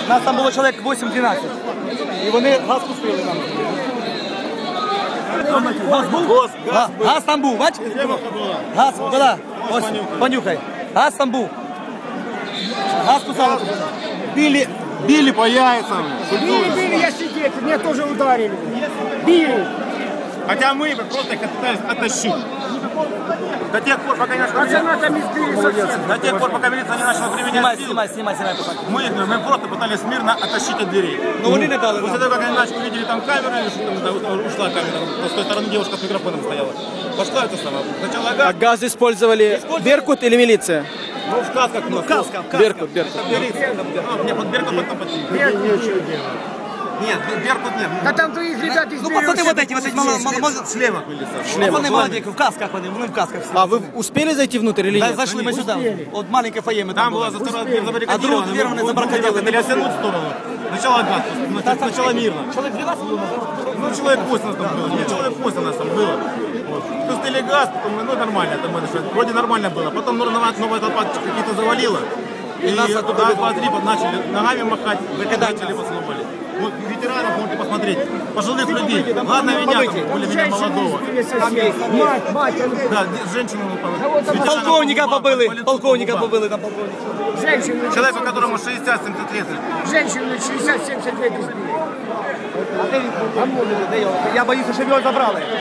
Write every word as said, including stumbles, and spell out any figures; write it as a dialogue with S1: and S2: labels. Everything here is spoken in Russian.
S1: Нас там було чоловік вісім-дванадцять. І вони газ пустили нам. Газ був? Газ, газ там був, бач? Газ, була. Ось, понюхай. Газ там був. Газ пустили.
S2: Били, били по яйцам.
S3: Били, били, я сидел, меня тоже ударили. Били.
S2: Хотя мы просто их пытались оттащить. До тех пор, пока не начала
S3: Пацана там избили совсем.
S2: До тех пор, пока милиция не начала применять силу,
S1: Снимай, снимай, снимай.
S2: мы, их, мы просто пытались мирно оттащить от дверей.
S1: Но они не дали.
S2: После того, как они начали, увидели там камеру, или что там, ушла камера, с той стороны девушка с микрофоном стояла. Пошла это самое. Сначала газ.
S4: А газ использовали Беркут или милиция?
S2: Ну, в касках.
S1: Ну, каска, каска.
S4: Беркут, Беркут.
S2: Нет, вот Беркут потом подтянул.
S3: Нет, нечего делать.
S2: Нет, Беркут нет.
S3: Да там твоих ребят
S1: Ну,
S3: избили.
S1: пацаны вот эти, вот эти мало, мало, мало.
S2: В шлемах были.
S1: Пацаны молодые, в касках вони, вони в касках всі.
S4: А вы успели зайти внутрь или
S1: Да,
S4: нет?
S1: зашли мы сюда. Вот маленькое фойе мы
S2: Там
S1: там
S2: была
S1: было.
S2: за сторону дверь
S1: А другую
S2: забаррикадирована.
S1: дверь мы забаррикадировали.
S2: Хотели оттянуть в сторону. Сначала газ, сначала мирно.
S1: Человек двенадцать было.
S2: Ну, человек восемь нас там было. Ну, человек восемь нас там было. Вот. Пустили газ, потом, ну, нормально. Там, вроде нормально было. Потом новая, новая толпа какие-то завалила. И нас туда два-три начали ногами махать. Начали поснопали. Вот ветеранов можете посмотреть. Пожилых людей. Ладно, меня там, более-менее молодого.
S3: Мать, мать,
S2: Да, женщину.
S1: Полковника побили, полковника побили там полковника.
S3: женщину,
S2: Человеку, которому шестьдесят-семьдесят лет.
S3: женщину шестьдесят-семьдесят лет избили.
S1: Я боюся, щоб його забрали.